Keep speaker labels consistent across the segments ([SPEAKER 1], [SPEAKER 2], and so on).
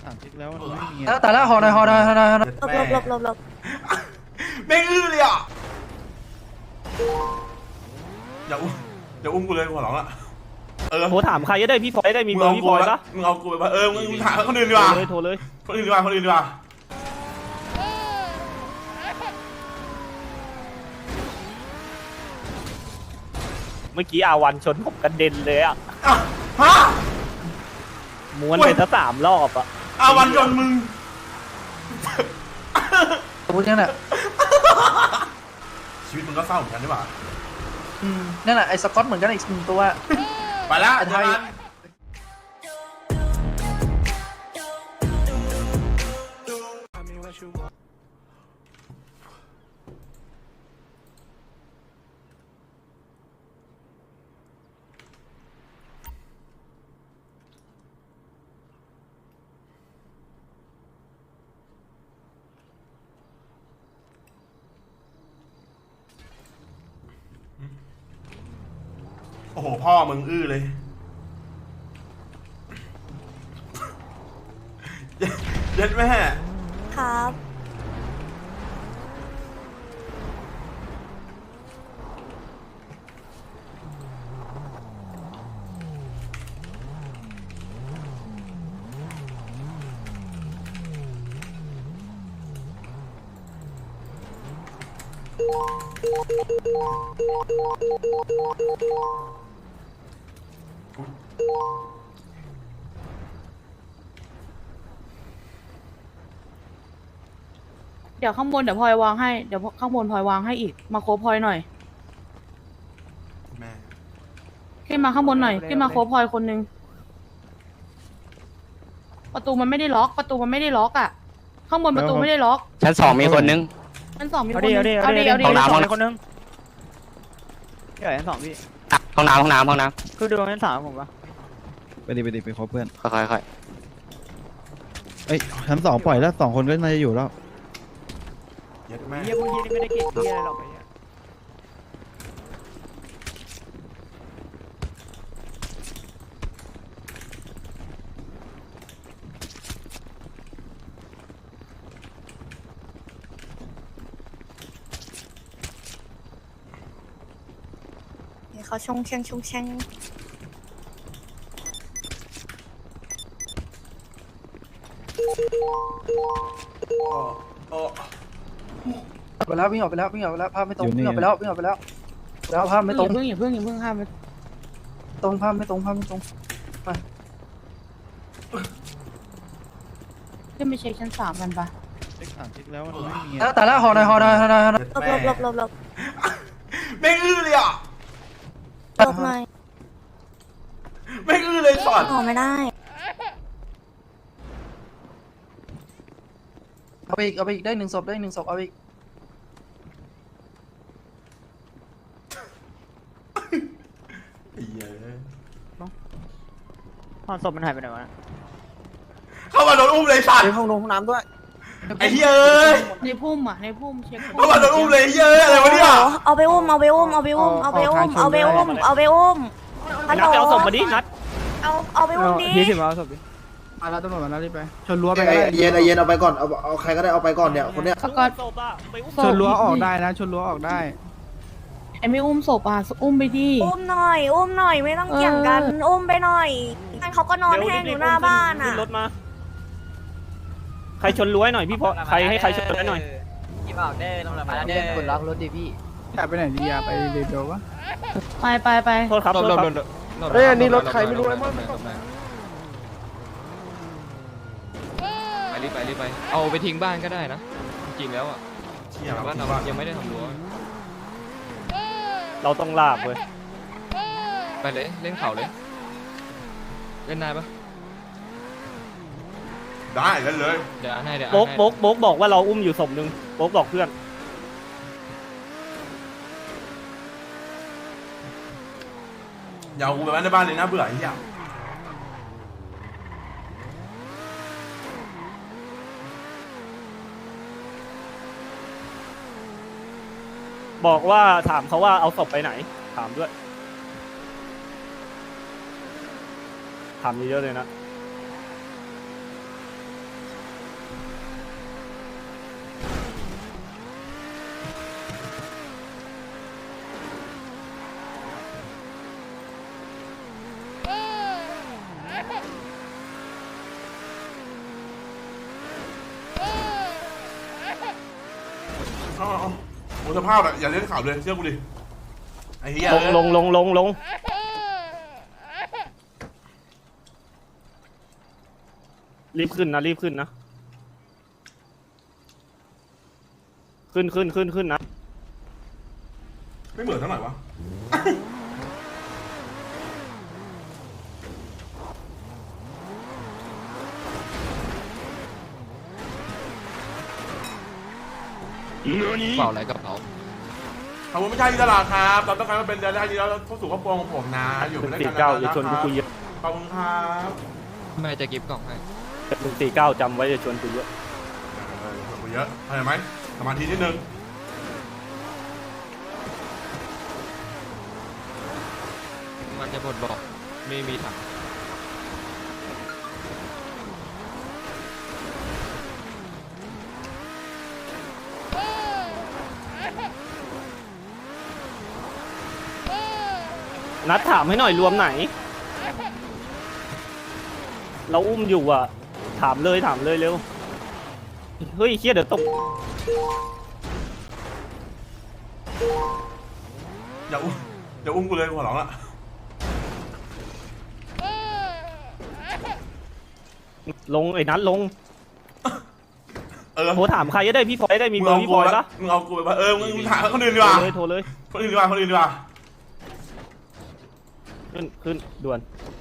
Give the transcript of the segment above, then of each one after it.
[SPEAKER 1] 30แล้วมันไม่มี
[SPEAKER 2] แต่ละหอหน่อยห
[SPEAKER 3] หลบ
[SPEAKER 4] แม่งอื้อเลยอ่ะอย่าอุ้มกูเลยหัวหลังอ่ะ
[SPEAKER 5] โทรถามใครก็ได้พี่พลอยได้มีเบอร์พี่พลอยปะ
[SPEAKER 4] มึงเอากูไปมึงถามคนอื่นดีกว่า
[SPEAKER 5] โทรเลย
[SPEAKER 4] คนอื่นดีกว่า
[SPEAKER 5] เมื่อกี้อาวันชนผมกระเด็นเลยอ่ะ
[SPEAKER 4] ฮะ
[SPEAKER 5] ม้วนไปซะ3 รอบอ่ะ
[SPEAKER 4] วันจนมึง
[SPEAKER 2] พูดนั่นแหละ
[SPEAKER 4] ชีวิตมึงก็เศร้าเหมือนกันใช่ป่ะ
[SPEAKER 2] นั่นแหละไอ้สกอตเหมือนกันอีก1 ตัว
[SPEAKER 4] ไปแล้ว
[SPEAKER 2] ไอ้ไทย
[SPEAKER 4] โอ้โหพ่อมึงอื้อเลยเย็ดแม่
[SPEAKER 3] ครับ
[SPEAKER 6] เดี๋ยวข้างบนเดี๋ยวพลอยวางให้เดี๋ยวข้างบนพลอยวางให้อีกมาโคฟพลอยหน่อย
[SPEAKER 4] แม่
[SPEAKER 6] ขึ้นมาข้างบนหน่อยขึ้นมาโคฟพลอยคนนึงประตูมันไม่ได้ล็อกอ่ะข้างบนประตูไม่ได้ล็อก
[SPEAKER 7] ชั้น 2มีคนนึง
[SPEAKER 6] ชั้น 2มีคนนึง
[SPEAKER 5] เอาดิ
[SPEAKER 7] ห้องน้ำ
[SPEAKER 5] คนนึงพี่ใหญ่ชั้น 2พี่
[SPEAKER 7] ห้องน้ำ
[SPEAKER 5] คือดูชั้น 3ผมปะ
[SPEAKER 1] ไปดิไปคบเพื่อน
[SPEAKER 7] ค่อย
[SPEAKER 1] เอ้ยชั้น2ปล่อยแล้ว2 คนก็น่าจะอยู่แล้ว
[SPEAKER 4] เย็ดแม่
[SPEAKER 5] เยี่ยพวกยี่นี่ไม่ได้เก่งเยี่ยอะไรหรอกไอ้เหี้ย
[SPEAKER 3] เขาชงแช่ง
[SPEAKER 4] โอ้
[SPEAKER 2] ออกไปแล้ววิ่งออกไปแล้วภาพไม่ตรงวิ่งออกไปแล้วแล้วภาพไม่ตรง
[SPEAKER 6] อย่าเพิ่งห้ามไป
[SPEAKER 2] ภาพไม่ตรง
[SPEAKER 6] ขึ้นไปเช็คชั้น 3กันปะ
[SPEAKER 1] เลข30แล้วมันไม่มี
[SPEAKER 2] แต่ละหอหน่อย
[SPEAKER 3] หลบ
[SPEAKER 4] แม่
[SPEAKER 3] ๆ
[SPEAKER 4] แม่งอื้อเลยอ่ะ
[SPEAKER 3] หลบหน่อย
[SPEAKER 4] แม่งอื้อเลยสอน
[SPEAKER 3] ออกไม่ได้
[SPEAKER 2] เอาไปอีกได้1 ศพเอาไปอีก
[SPEAKER 5] ห้องศพมันหายไปไหนวะ
[SPEAKER 4] เข้ามาโดนอุ้มเลยสัตว์
[SPEAKER 5] ห้องน้ำด้วย
[SPEAKER 4] ไอ้เฮ้ย
[SPEAKER 6] ในพุ่มเช็ค
[SPEAKER 4] เข้ามาโดนอุ้มเลยเฮ้ยอะไรวะเนี่ย
[SPEAKER 3] เอาไปอุ้มฮัลโหล
[SPEAKER 5] นัดไปเอาศพมาดินัด
[SPEAKER 3] เอาไปอุ้มดิ
[SPEAKER 5] เอาศพดิ
[SPEAKER 1] มาแล้วตำรวจมาแล้วรีบไปชนรั้วไป
[SPEAKER 8] เย็นเอาไปก่อนเอาใครก็ได้เอาไปก่อนเนี่ยคนเนี้ย
[SPEAKER 6] สกอต
[SPEAKER 5] ศพอะไปอุ้ม
[SPEAKER 1] ชนรั้วออกได้นะชนรั้วออกได้
[SPEAKER 6] ไอ้ไม่อุ้มศพอ่ะอุ้มไปดิ
[SPEAKER 3] อุ้มหน่อยไม่ต้องเกี่ยงกันอุ้มไปหน่อยเขาก็นอนแห้งอยู่หน้าบ้านอ่ะ
[SPEAKER 5] ขึ้นรถมาใครชนรั้วหน่อยพี่พอใครให้ใครชนรั้วหน่อย
[SPEAKER 7] พี่บอกได้ตำรวจมาแล้วเนี่ยกดล็อกรถดิพี่
[SPEAKER 1] จะไปไหนดีอะไปเดี๋ยววะ
[SPEAKER 6] ไป
[SPEAKER 5] โทษครับโทษครับ
[SPEAKER 8] เอ้ยอันนี้รถใครไม่รู้ไอ้มัน
[SPEAKER 7] รีบไปเอาไปทิ้งบ้านก็ได้นะจริงๆแล้วอ่ะ
[SPEAKER 4] เชี่ย
[SPEAKER 7] บ้านเรายังไม่ได้ทำรั้ว
[SPEAKER 5] เราต้องลากเว้ย
[SPEAKER 7] ไปเลยเล่นเขาเลยเล่นได้ปะ
[SPEAKER 4] ได้กันเลย
[SPEAKER 7] เดี๋ยวอันให้เดี๋ยว
[SPEAKER 5] โบ๊กบอกว่าเราอุ้มอยู่ศพนึงโบ๊กบอกเพื่อน
[SPEAKER 4] อย่าเอากูไปไว้ในบ้านเลยนะเบื่อไอ้เหี้ย
[SPEAKER 5] บอกว่าถามเขาว่าเอาศพไปไหนถามด้วยถามเยอะๆเลยนะ
[SPEAKER 4] เอาโอ้สภาพอะอย่าเล่นข่าวเลยเชื่อกูดิไอ้เหี้ย
[SPEAKER 5] ลงรีบขึ้นนะขึ้นนะ
[SPEAKER 4] ไม่เหมือนเท่าไหร่วะ
[SPEAKER 7] เปล่าอะไรกระเป๋า
[SPEAKER 4] ขอบคุณไม่ใช่ที่ตลาดครับเราต้องการมาเป็นรายได้ดีแล้วเข้าสู่ครอบครัวของผมนะอยู่ด้วยกัน
[SPEAKER 5] 149
[SPEAKER 4] นะ
[SPEAKER 5] อย่าชวนกูคุยเยอะ
[SPEAKER 4] ขอบคุณครับ
[SPEAKER 7] แม่จะกิฟต์กล่องให้
[SPEAKER 5] 149จำไว้อย่าชวนกูเยอะ
[SPEAKER 4] ขอบคุณเยอะเข้าใจไหมสมาธินิดนึง
[SPEAKER 7] มันจะบดบอกไม่มีถัง
[SPEAKER 5] นัดถามให้หน่อยรวมไหน เราอุ้มอยู่อ่ะถามเลยเร็วเฮ้ยเครียดเดี๋ยวตก
[SPEAKER 4] อย่าอุ้มกูเลยหัวหลังละ
[SPEAKER 5] ลงไอ้นัดลง
[SPEAKER 4] เออ
[SPEAKER 5] โทรถามใครก็ได้พี่พลอยได้มีเบอร์พี่พลอยปะ
[SPEAKER 4] มึงเอากูไปปะมึงถามคนอื่นดีกว่า
[SPEAKER 5] โทรเลย
[SPEAKER 4] คนอื่นดีกว่า
[SPEAKER 5] ขึ้นด่วน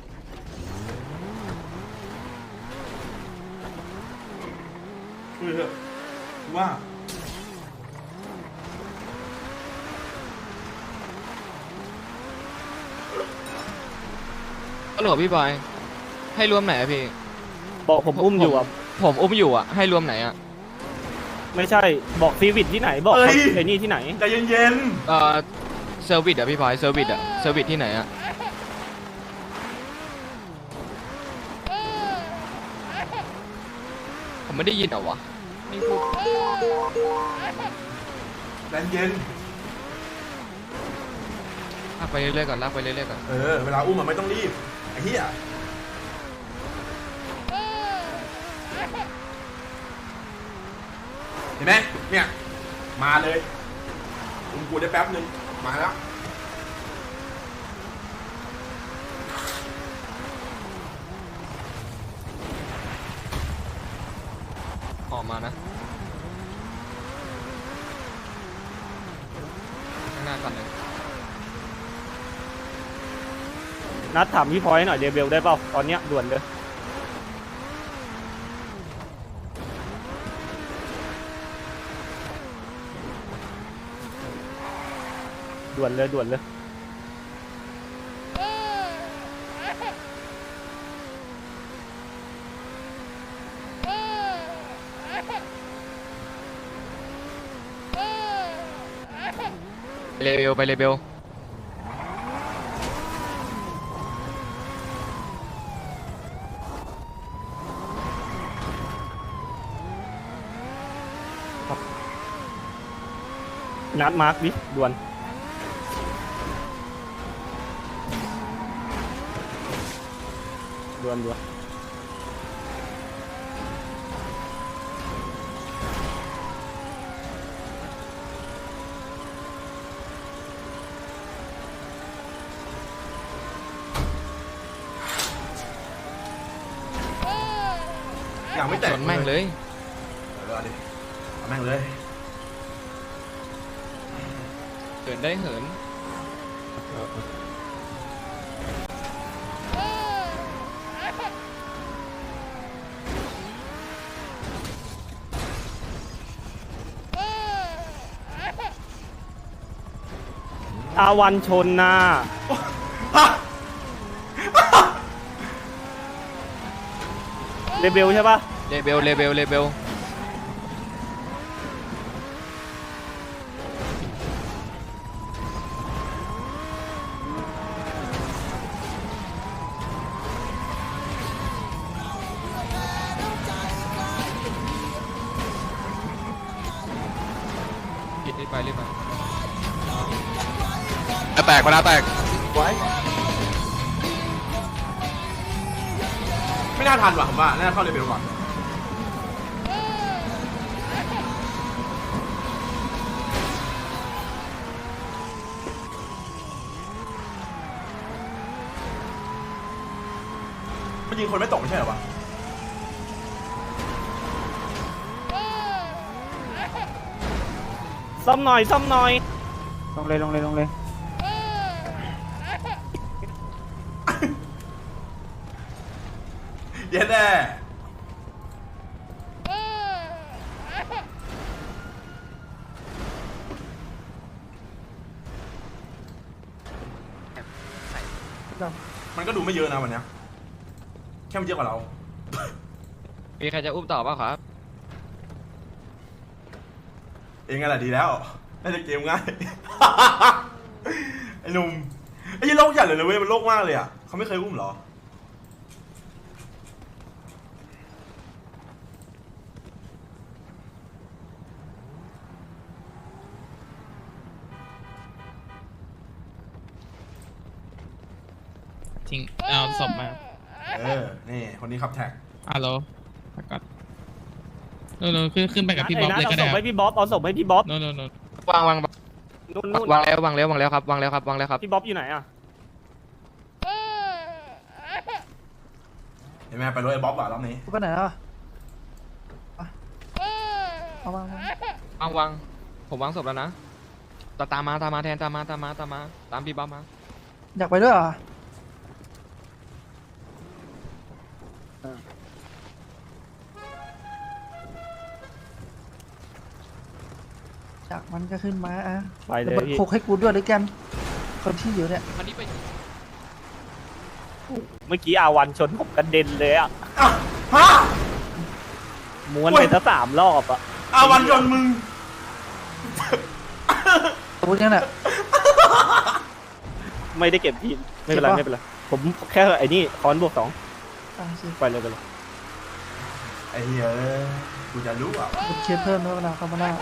[SPEAKER 4] คุยเถอะว่า
[SPEAKER 7] ฮัลโหลพี่บอยให้รวมไหนอะพี่
[SPEAKER 5] บอกผมอุ้มอยู่อ่ะ
[SPEAKER 7] ผมอุ้มอยู่อะให้รวมไหนอะ
[SPEAKER 5] ไม่ใช่บอกซีวิตที่ไหนบอกไอ้นี่ที่ไหน
[SPEAKER 4] ใจเย็น
[SPEAKER 7] เซอร์วิสอะพี่บอยเซอร์วิสที่ไหนอะผมไม่ได้ยินเหรอวะไม่พูด
[SPEAKER 4] ๆใจเย็น
[SPEAKER 7] ลากไปเรื่อยๆก่อน
[SPEAKER 4] เวลาอุ้มมันไม่ต้องรีบไอ้เหี้ยเห็นไหมเนี่ยมาเลยอุ้มกูได้แป๊บนึงมาแล้ว
[SPEAKER 7] ออกมานะข้างหน้าก่อนเลย
[SPEAKER 5] นัดถามพี่พลอยหน่อยเดบิวได้เปล่าตอนเนี้ยด่วนเลยด่วนเลย
[SPEAKER 7] ไปเลเบล
[SPEAKER 5] นัดมาร์คดิด่วน
[SPEAKER 4] อย่างไม่แตก
[SPEAKER 7] ชนแม่งเลย
[SPEAKER 4] เอาดิเอาแม่งเลย
[SPEAKER 7] เหินได้เหิน
[SPEAKER 5] อาวันชนนะเรเบลใช่ปะ
[SPEAKER 7] เลเบลรีบไปแตกเวลาแตก
[SPEAKER 4] ไม่น่าทันว่ะผมว่าน่าเข้าเลเวลก่อนยิงคนไม่ตกไม่ใช่เหรอวะ
[SPEAKER 5] ซ่อมหน่อยซ่อมหน่อย
[SPEAKER 2] ลงเลยลงเลยลงเลย
[SPEAKER 4] เย็นแน่มันก็ดูไม่เยอะนะวันเนี้ยแค่มันเยอะกว่าเรา
[SPEAKER 7] มีใครจะอุ้มต่อเปล่าครับ
[SPEAKER 4] เองไงแหละดีแล้วน่าจะเกมง่าย ไอ้หนุ่มไอ้ยี่โลกใหญ่เลยเว้ยมันโลกมากเลยอ่ะเขาไม่เคยอุ้มเหรอ
[SPEAKER 9] ทิ้งเอาศพมา
[SPEAKER 4] นี่คนนี้ขับแท็ก
[SPEAKER 9] ฮัลโหลพักก่อนโน่นขึ้นไปกับพี่บ๊อบเลยก็
[SPEAKER 5] เอา
[SPEAKER 9] ได้
[SPEAKER 5] ศพให้พี่บ๊อบเอาศพให้พี่บ๊อบ
[SPEAKER 9] โน่น
[SPEAKER 7] วาง
[SPEAKER 5] นู่น
[SPEAKER 7] วางแล้วครับวางแล้วครับ
[SPEAKER 5] พี่บ๊อบอยู่ไหนอ่ะ
[SPEAKER 4] เห็นไหมไปรถไอ้บ๊อบว่ะรอบนี้
[SPEAKER 2] ไปไหนแล้วเอามา
[SPEAKER 7] วางผมวางศพแล้วนะตามมาแทนตามพี่บ๊อบมา
[SPEAKER 2] อยากไปด้วยเหรออยากมันก็ขึ้นมาอ่ะ
[SPEAKER 5] ไปเลย
[SPEAKER 2] เดี๋ยว
[SPEAKER 5] พี่
[SPEAKER 2] โคกให้กูด้วยด้วยกันคนที่อยู่เนี่ย
[SPEAKER 7] วันนี้ไป
[SPEAKER 5] เมื่อกี้อาวันชนผมกระเด็นเลยอ่ะ
[SPEAKER 4] ฮะ
[SPEAKER 5] ม้วนไปซะ3 รอบอ่ะ
[SPEAKER 4] อาวันยนต์มึง
[SPEAKER 2] พูดยังเนี่ย
[SPEAKER 5] ไม่ได้เก็บทีไม่เป็นไร
[SPEAKER 2] เก็บปะ
[SPEAKER 5] ไม่เป็นไรผมแค่ไอ้นี่คอนบวก2
[SPEAKER 2] สิ
[SPEAKER 5] ไปเลย
[SPEAKER 4] ไอ้เหี้ยกูจะรู้อ่ะ
[SPEAKER 2] บุญเคสเพิ่มด้วยเวลาเข้ามาหน้า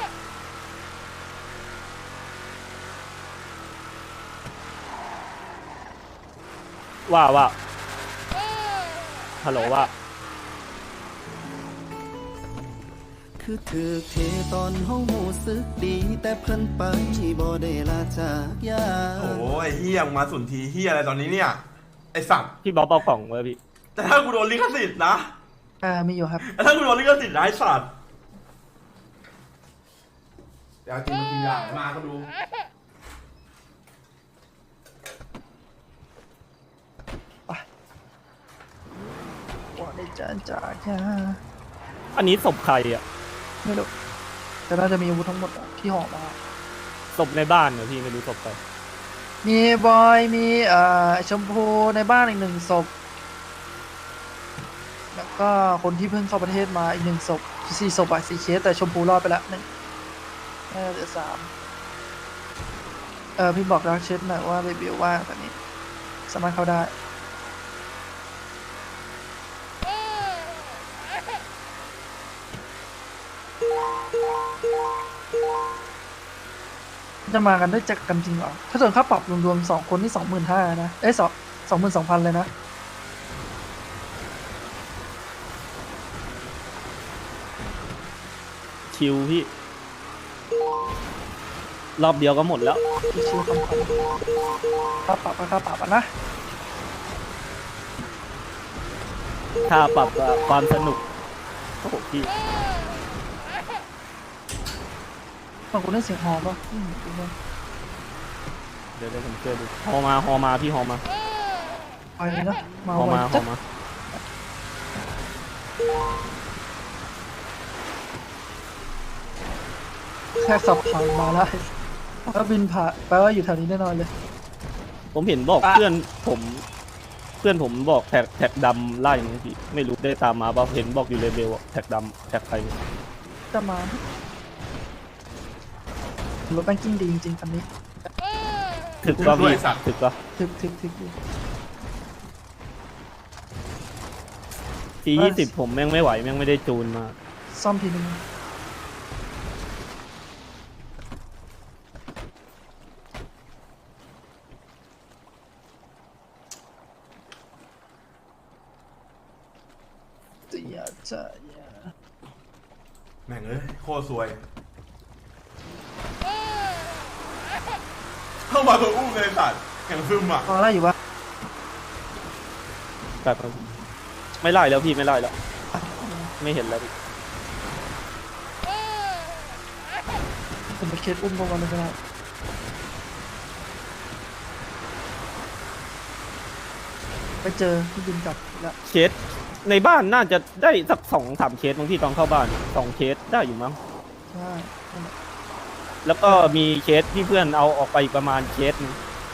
[SPEAKER 5] ว่าฮัลโหลว่า
[SPEAKER 10] คือถือเทตอนห้องหูสึกดี แต่เพิ่นไปบ่ได้ลาจากยา
[SPEAKER 4] โอ้ยเฮียมึงมาสุนทีเฮียอะไรตอนนี้เนี่ยไอสัตว์
[SPEAKER 5] พี่บ๊อบเอาของมาพี่
[SPEAKER 4] แต่ถ้ากูโดนลิขสิทธิ์นะ
[SPEAKER 2] มีอยู่ครับ
[SPEAKER 4] แต่ถ้ากูโดนลิขสิทธิ์นะไอสัตว์เดี๋ยวจริงจริงอย่างมาก็ดู
[SPEAKER 2] ว่าได้จานจากยา
[SPEAKER 5] อันนี้ศพใครอ่ะ
[SPEAKER 2] ไม่รู้แต่น่าจะมีอาวุธทั้งหมดอะที่ห่อมา
[SPEAKER 5] ศพในบ้านเหรอพี่ไม่รู้ศพใคร
[SPEAKER 2] มีบอยมีชมพูในบ้านอีก1 ศพ แล้วก็คนที่เพิ่งเข้าประเทศมาอีก1 ศพ4 ศพ4 เคสแต่ชมพูรอดไปแล้ว1น่าจะเหลือ3พี่บอกรักเช็ดหน่อยว่าเบบิวว่างตอนนี้สามารถเข้าได้จะมากันได้จากกันจริงเหรอถ้าส่วนค่าปรับรวมๆ2 คนนี่25,000นะ22,000เลยนะ
[SPEAKER 5] คิวพี่ รอบเดียวก็หมดแล้ว
[SPEAKER 2] ชิวๆคำค่าปรับก็ค่าปรับอะนะ
[SPEAKER 5] ค่าปรับกับความสนุกโอ้โหพี่
[SPEAKER 2] บางคนได้เสียงฮอป่ะดูนะ
[SPEAKER 5] เดี๋ยวผมช่วยดูฮอมาพี่ฮอมา
[SPEAKER 2] ไปเลยนะมา
[SPEAKER 5] ฮอ
[SPEAKER 2] ไว
[SPEAKER 5] มา
[SPEAKER 2] จัดแค่สับผ่านมาแล้วแล้วบินผ่านแปลว่าอยู่แถวนี้แน่นอนเลย
[SPEAKER 5] ผมเห็นบอกเพื่อนผมบอกแท็กดำไล่อย่างนี้พี่ไม่รู้ได้ตามมาป่ะเห็นบอกอยู่เลเวลอะแท็กดำแท็กใครเนี่ย
[SPEAKER 2] จะมารถแบงกิ้งดีจริงๆคันนี้
[SPEAKER 5] ถึกป่ะพี่ถึกป่ะ
[SPEAKER 2] ถึกอยู่
[SPEAKER 5] T20ผมแม่งไม่ไหวแม่งไม่ได้จูนมา
[SPEAKER 2] ซ่อมทีนึงจะ
[SPEAKER 4] แม่งเอ้ยโคตรซวยเข้ามาตัวอุ้มเลยสัตว์แข่งซึมอ่ะ
[SPEAKER 2] พออะไรอยู่วะ
[SPEAKER 5] แบบ
[SPEAKER 2] ช
[SPEAKER 5] ไม่ไล่แล้วพี่ไม่ไล่แล้ว ไม่เห็นแล้วพี่
[SPEAKER 2] ผมไปเคสอุ้มพวกมันเลยก็ได้ไปเจอที่บินกลับแล้ว
[SPEAKER 5] เคสในบ้านน่าจะได้สัก2-3เคสบางที่ตอนเข้าบ้าน2เคสได้อยู่มั้ง
[SPEAKER 2] ใช่นั่นแหละ
[SPEAKER 5] แล้วก็มีเคสที่เพื่อนเอาออกไปอีกประมาณเคสหนึ่ง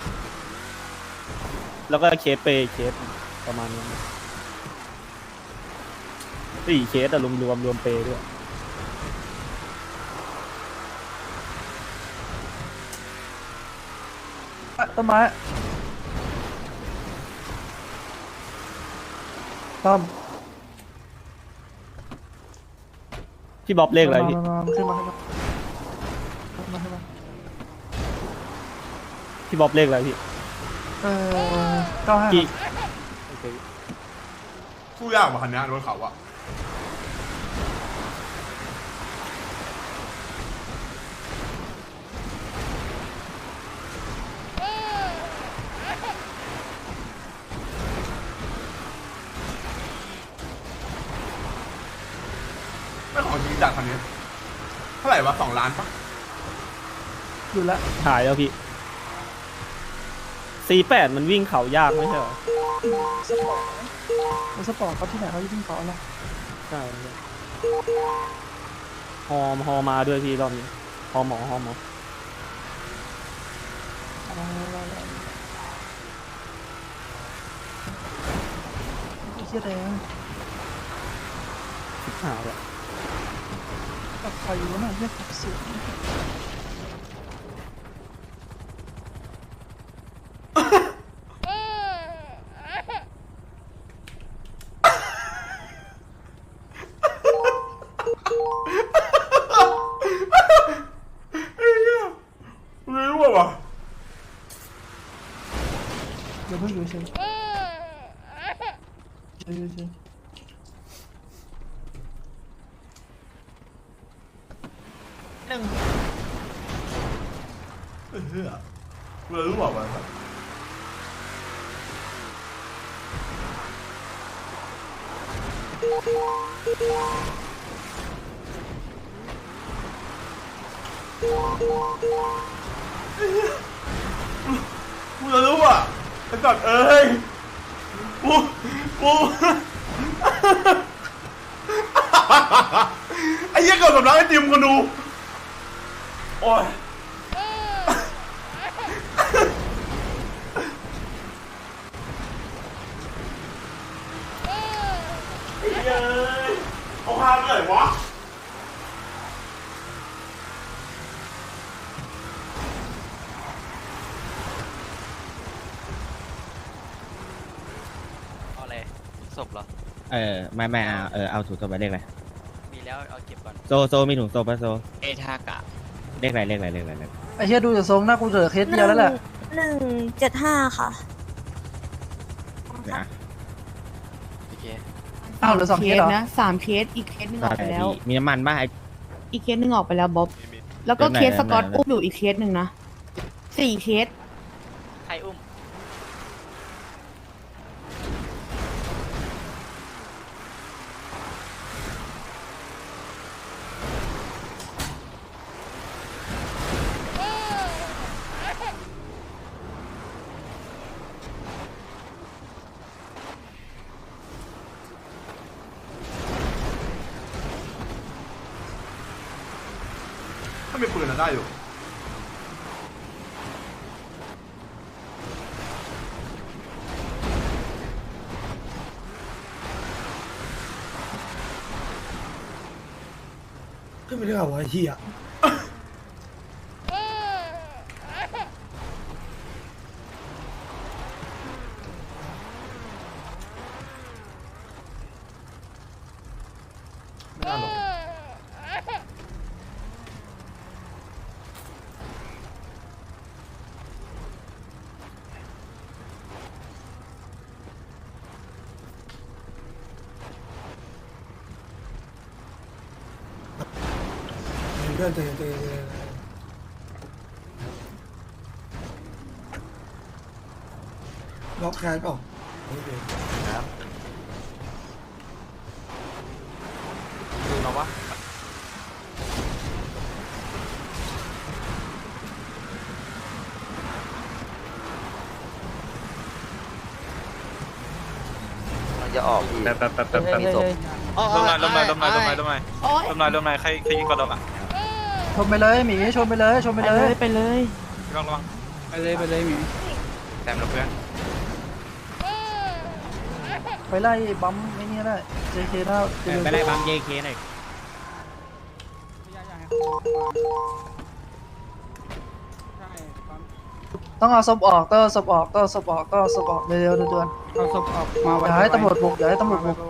[SPEAKER 5] แล้วก็เคสเปย์เคสประมาณนี้4เคสอะรวมเปย์ด้วย
[SPEAKER 2] ต้นไม้ต้อม
[SPEAKER 5] พี่บ๊อบเลขอะไรพี่
[SPEAKER 2] มาขึ้นมา
[SPEAKER 5] พี่บ๊อบเลขอะไรพี่
[SPEAKER 2] 95
[SPEAKER 5] กี่
[SPEAKER 4] สู้ยากกว่าคันนี้รถเขาอะ ไม่ของจริงจัดคันนี้เท่าไหร่วะ2 ล้านปะ
[SPEAKER 2] อยู่แล้ว
[SPEAKER 5] หายแล้วพี่48มันวิ่งเขายากไม่ใช่เหรอ
[SPEAKER 2] สปอร์ตเขาที่ไหนเขายิ่งเขาละ
[SPEAKER 5] ใช่ฮอมาด้วยพี่รอบนี้ฮอหมอ
[SPEAKER 2] เชี่ยแดง
[SPEAKER 5] หายแล้ว
[SPEAKER 2] กับใครอยู่น่ะเรียกขับเสียง
[SPEAKER 4] ไม่รู้ว่ะ
[SPEAKER 2] เดี๋ยวเพิ่งอยู่เฉย
[SPEAKER 4] ไม่รู้ว่ะกูจะรู้อ่ะไอ้สัตว์เอ้ยกู ไอ้เหี้ยเกิดสำลักไอ้ติมคนดูโอ้ยไอ้เหี้ยเอาพาไปไหนวะ
[SPEAKER 11] ศพเหรอ
[SPEAKER 1] ไม่เอาถุงศพไปเลขอะไร
[SPEAKER 11] มีแล้วเอาเก็บก่อน
[SPEAKER 1] โซมีถุงศพปะโซ
[SPEAKER 11] เอทากะ
[SPEAKER 1] เลขอะไร
[SPEAKER 2] ไอ้เชี่ยดูจากทรงหน้ากูเหลือเคสเดียวแล้วแหละ
[SPEAKER 3] 175ค่ะ
[SPEAKER 1] เดี๋ยวนะ
[SPEAKER 11] โอเค
[SPEAKER 2] อ้าวเหลือ2เคสเหรอ
[SPEAKER 6] นะ3เคสอีกเคสหนึงออกไปแล้ว
[SPEAKER 1] มีน้ำมันป่ะไอ้
[SPEAKER 6] อีกเคสหนึงออกไปแล้วบ๊อบแล้วก็
[SPEAKER 1] เดี๋ยวไหน
[SPEAKER 6] เคสสกอต
[SPEAKER 1] ไหน
[SPEAKER 6] อุ้มอยู่อีกเคสหนึ่งนะ4เคส
[SPEAKER 11] ใครอุ้ม
[SPEAKER 4] ถ้ามีปืนน่ะได้อยู่ขึ้นไปได้เหรอวะไอ้เหี้ยไม่น่าหรอก เพื่อนเจล็อกแคสเปล่า
[SPEAKER 7] เราวะ
[SPEAKER 11] จะออกอีก
[SPEAKER 7] มีศพ
[SPEAKER 2] ลมหน่อยลมหน่อยลมหน่อยลมหน่อย
[SPEAKER 6] ลมหน่อยใครยิงก่อนอ่ะ
[SPEAKER 2] ชนไปเลยหมีชนไปเลยชนไปเลย
[SPEAKER 6] ไปเลย
[SPEAKER 7] ระวัง
[SPEAKER 6] ไปเลยหมี
[SPEAKER 7] แต้มเราเพื่อน
[SPEAKER 2] ไปไล่บัมไอ้นี่ได้ JK ได้
[SPEAKER 9] ไปไล่บัม JK หน่อย
[SPEAKER 2] ต้องเอาศพออกต้องเอาศพออกต้องเอาศพออกต้องเอาศพออกเร็วๆด่วน
[SPEAKER 6] เอาศพออกมา
[SPEAKER 2] ๆอย่าให้ตำรวจบุกอย่าให้ตำรวจบุก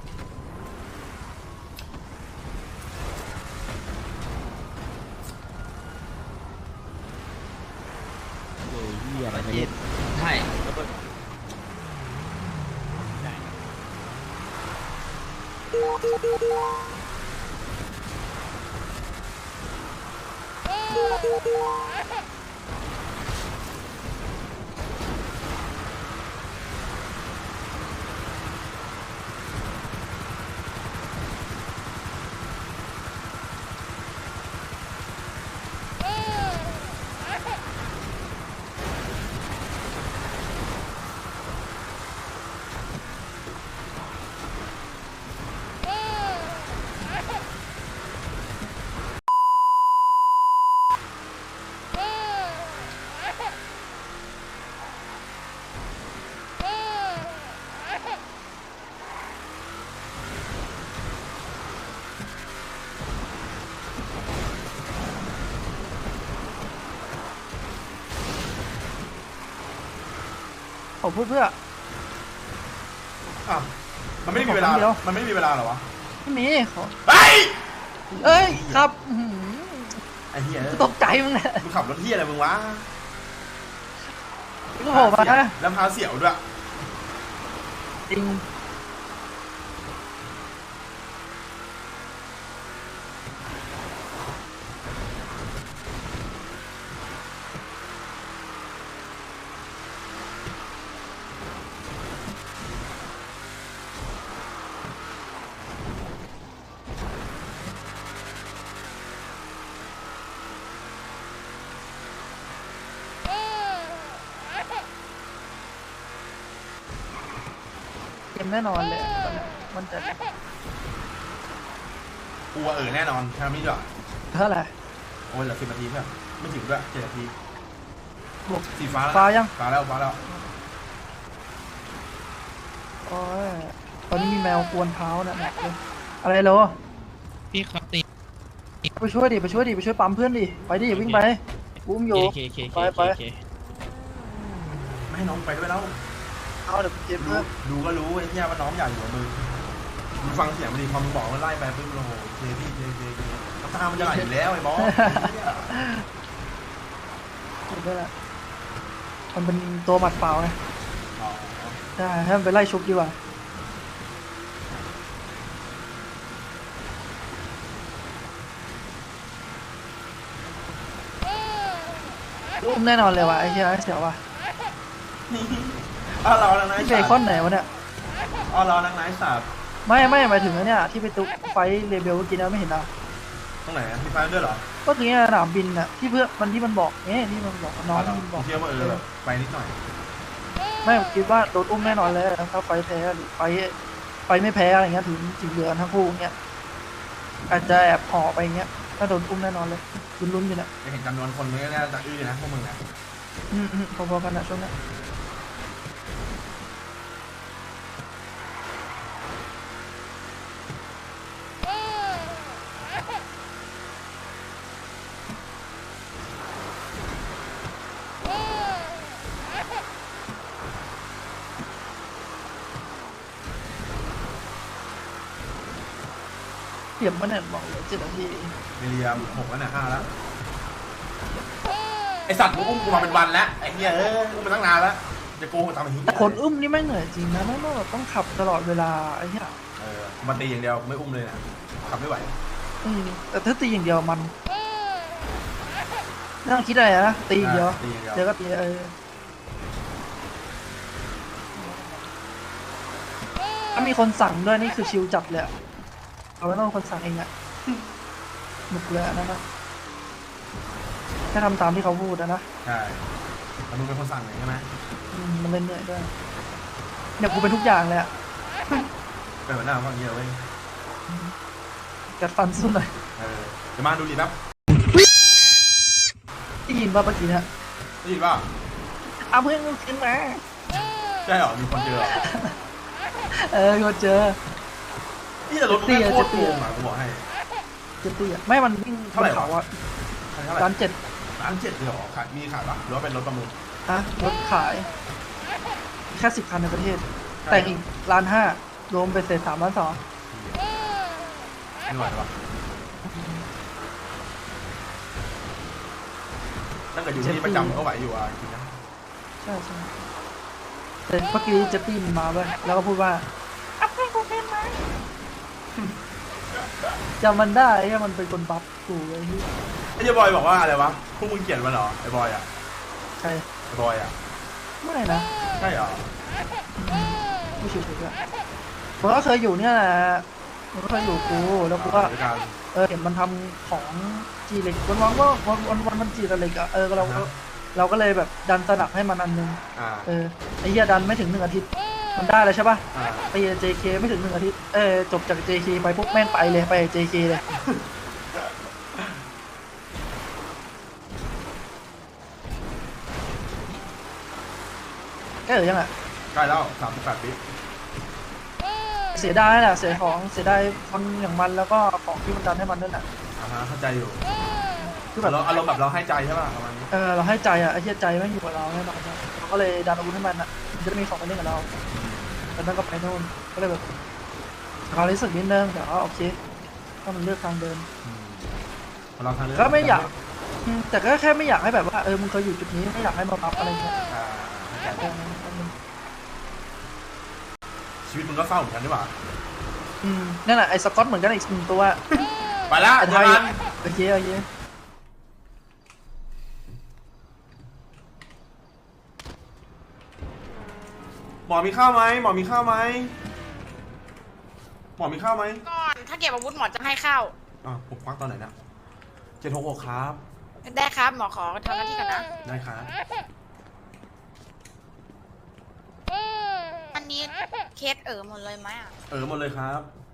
[SPEAKER 9] ใช่
[SPEAKER 2] ผมพูดเพื่อ
[SPEAKER 4] อ่ะมันไม่ได้มีเวลา มันไม่ได้มีเวลาเหรอวะ
[SPEAKER 2] ไม่มีขอ
[SPEAKER 4] เฮ้ย
[SPEAKER 2] เอ้ยครับอื้อหือ
[SPEAKER 4] ไอ้เหี้ย
[SPEAKER 2] ตกใจมึงแหละ
[SPEAKER 4] มึงขับรถเหี้ยอะไรมึงวะ
[SPEAKER 2] ก็โผล่มานะ
[SPEAKER 4] แล้วพาเสี่ยวด้วย
[SPEAKER 2] จริง เกมแน่นอนเลยตอนนี้มันจะ
[SPEAKER 4] กูว่าแน่นอนแค่นี้ด้วย
[SPEAKER 2] เท่าไหร่
[SPEAKER 4] โอ้ยเหลือ10 นาทีเพื่อนไม่ถึงด้วย7 นาที
[SPEAKER 2] บวก
[SPEAKER 4] สีฟ้าแล้ว
[SPEAKER 2] ฟ้ายัง
[SPEAKER 4] ฟ้าแล้วฟ้าแล้ว
[SPEAKER 2] โอ้ยตอนนี้มีแมวกวนเท้านะหนักเลยอะไรเหรอ
[SPEAKER 9] พี่ครับตี
[SPEAKER 2] ไปช่วยดิไปช่วยดิไปช่วยปั๊มเพื่อนดิไปดิวิ่งไปอุ้มอยู่ ไปไป
[SPEAKER 4] ไม่ให้น้องไปด้วยแล้ว
[SPEAKER 2] เอาเดี๋ยวเก็บเพื่อน
[SPEAKER 4] ดูก็รู้ไอ้เหี้ยว่าน้องอยากอยู่กับมึงมึงฟังเสียงมันดีพอมึงบอกว่าไล่ไปปุ๊บโอ้โหเจพี่เจน้ำตามันจะไหลอยู่แล้วไอ้บอส
[SPEAKER 2] เก็บได้ละมันเป็นตัวหมัดเปล่าไง
[SPEAKER 4] อ๋อ
[SPEAKER 2] ใช่ให้มันไปไล่ชุบดีกว่าอุ้มแน่นอนเลยว่ะไอ้เหี้ยไอ้เสียวว่ะ
[SPEAKER 4] อ้าวเรานังไน
[SPEAKER 2] ที่เบคอนไหนวะเนี่ย
[SPEAKER 4] อ้าวเรานังไนสัตว์
[SPEAKER 2] ไม่หมายถึงไอ้เนี่ยที่ไปตุ๊กไฟเรเบลเมื่อกี้นะไม่เห็นนะ
[SPEAKER 4] ตรงไหนมีไฟด้วยเหรอ
[SPEAKER 2] ก็คือเนี่ยสนามบินน่ะที่เพื่อนมันที่มันบอกที่มันบอกน้องที่มันบอก
[SPEAKER 4] เชื่อว่าแบบไปนิดหน่อย
[SPEAKER 2] ไม่ผมคิดว่าโดนอุ้มแน่นอนเลยถ้าไฟแพ้หรือไฟไม่แพ้อะไรเงี้ยถึงเหลือทั้งคู่เงี้ยอาจจะแอบห่อไปเงี้ยถ้าโดนอุ้มแน่นอนเลยลุ้นๆอยู่เนี่ย
[SPEAKER 4] จะเห็นจำนวนคนมันก็น่าจะอื้อนะพวกมึงนะ
[SPEAKER 2] พอๆกันนะช่วงนี้เทียมมันเนี่ยบอกเลย7 นาที
[SPEAKER 4] เรีย6แล้วเนี่ย5แล้วไอสัตว์กูอุ้มกูมาเป็นวันแล้วไอ้เหี้ยอุ้มมาตั้งนานแล้วจะโกงทำไมเหี้ย
[SPEAKER 2] คนอุ้มนี่ไม่เหนื่อยจริงนะไม่แบบต้องขับตลอดเวลาไอ้เหี้ย
[SPEAKER 4] มาตีอย่างเดียวไม่อุ้มเลยนะขับไม่ไหว
[SPEAKER 2] แต่ถ้าตีอย่างเดียวมันไม่ต้องคิดอะไรนะตีอย่างเดียว
[SPEAKER 4] ตีอย่างเดียว
[SPEAKER 2] เดี๋ยวก็ตีถ้ามีคนสั่งด้วยนี่คือชิลจัดเลยอะเขาไม่ต้องเป็นคนสั่งเองอะหนุกเลยอันนั้นนะแค่ทำตามที่เขาพูดนะ
[SPEAKER 4] ใช่แต่มึงเป็นคนสั่งเลยใช่ไหม
[SPEAKER 2] มันเล่นเหนื่อยด้วยเนี่ยกูเป็นทุกอย่างเลยอะ
[SPEAKER 4] เป็นหัวหน้าฟังเยอะเว้ย
[SPEAKER 2] กัดฟันสู้หน่อย
[SPEAKER 4] เดี๋ยวมาดูดิแป๊บ
[SPEAKER 2] ได้ยินป่ะเมื่อกี้เนี่ย
[SPEAKER 4] ได้ยินป่ะ
[SPEAKER 2] เอาเพื่อนกูขึ้นมา
[SPEAKER 4] ใช่เหรอมีคนเจอเหรอ
[SPEAKER 2] กูเจอ
[SPEAKER 4] นี่แต่รถมึงโคตรโกงอ่ะกูบอกให้
[SPEAKER 2] เจ็ดตี้อะไม่มันวิ่ง
[SPEAKER 4] เท่าไหร่วะ
[SPEAKER 2] เขาอะ
[SPEAKER 4] เท่าไหร่
[SPEAKER 2] ร้าน7
[SPEAKER 4] 1,700เลยเหรอขายมีขายปะหรือว่าเป็นรถประมูล
[SPEAKER 2] ฮะรถขายแค่10 คันในประเทศ แต่งอีก1,500,000รวมไปเสร็จ3,200,000
[SPEAKER 4] ไม่ไหวปะตั้งแต่อยู่ที่ประจำก็ไหวอยู่อ่ะจริงๆนะ
[SPEAKER 2] ใช่ใช่แต่เมื่อกี้เจตตี้มันมาเว้ยแล้วก็พูดว่าเอาเพื่อนกูขึ้นมาจำมันได้ไอ้มันเป็นคนบัฟกูเลยที่
[SPEAKER 4] ไอ้เจ้าบอยบอกว่าอะไรวะพวกมึงเกลียดมันเหรอไอ้บอยอ่ะ
[SPEAKER 2] ใช่
[SPEAKER 4] ไอ้บอยอ่ะ
[SPEAKER 2] ไม่นะ
[SPEAKER 4] ใช่เหรอ
[SPEAKER 2] ไม่ชิวๆด้วยผมก็เคยอยู่เนี่ยแหละมันก็เคยอยู่กูแล้วกูก็
[SPEAKER 4] ด้วยกัน
[SPEAKER 2] เห็นมันทำของจีเหล็กวันๆก็วันมันจีเหล็กอะเราก็เลยแบบดันสนับให้มันอันนึง ไอ้เหี้ยดันไม่ถึง1 อาทิตย์มันได้เลยใช่ป่ะไป JK ไม่ถึง1 อาทิตย์จบจาก JK ไปปุ๊บแม่งไปเลยไป JK เลยแกยังไง
[SPEAKER 4] ใกล้แล้ว38 ปี
[SPEAKER 2] เสียดายแหละเสียดายคนอย่างมันแล้วก็ของที่มันดันให้มันด้วยน่ะ
[SPEAKER 4] เข้าใจอยู่
[SPEAKER 2] คือแบบ
[SPEAKER 4] เราอารมณ์แบบเราให้ใจใช่ป่ะประมาณนี้
[SPEAKER 2] เราให้ใจอ่ะไอ้เหี้ยใจไม่อยู่กับเราแน่นอนเราก็เลยดันอาวุธให้มันอ่ะมันจะได้มีของมาเล่นกับเราแต่นั่นก็ไปโน่นก็เลยแบบเขารู้สึกนิดนึงแต่ว่าโอเคถ้ามันเลือกทางเดิน
[SPEAKER 4] เราทางเลือก
[SPEAKER 2] ก็ไม่อยากแต่ก็แค่ไม่อยากให้แบบว่ามึงเคยอยู่จุดนี้ไม่อยากให้มาปรับอะไรเงี้ย
[SPEAKER 4] ชีวิตมึงก็เศร้าเหมือนกันด้วยป่ะ
[SPEAKER 2] นั่นแหละไอ้สกอตเหมือนกันอีก1 ตัว
[SPEAKER 4] ไปละ
[SPEAKER 2] ไอ้
[SPEAKER 4] เจ
[SPEAKER 2] ไท
[SPEAKER 4] อย กัน
[SPEAKER 2] โอเค
[SPEAKER 4] หมอมีข้าวไหมหมอมีข้าวไหมหมอมีข้าวไหม
[SPEAKER 3] ก่อนถ้าเก็บอาวุธหมอจะให้เข้า
[SPEAKER 4] ผมควักตอนไหนนะ766ครับ
[SPEAKER 3] ได้ครับหมอขอทำหน้าที่ก่อนนะ
[SPEAKER 4] ได้ครับ
[SPEAKER 3] อันนี้เคสหมดเลยไหมอ่ะ
[SPEAKER 4] หมดเลยครับ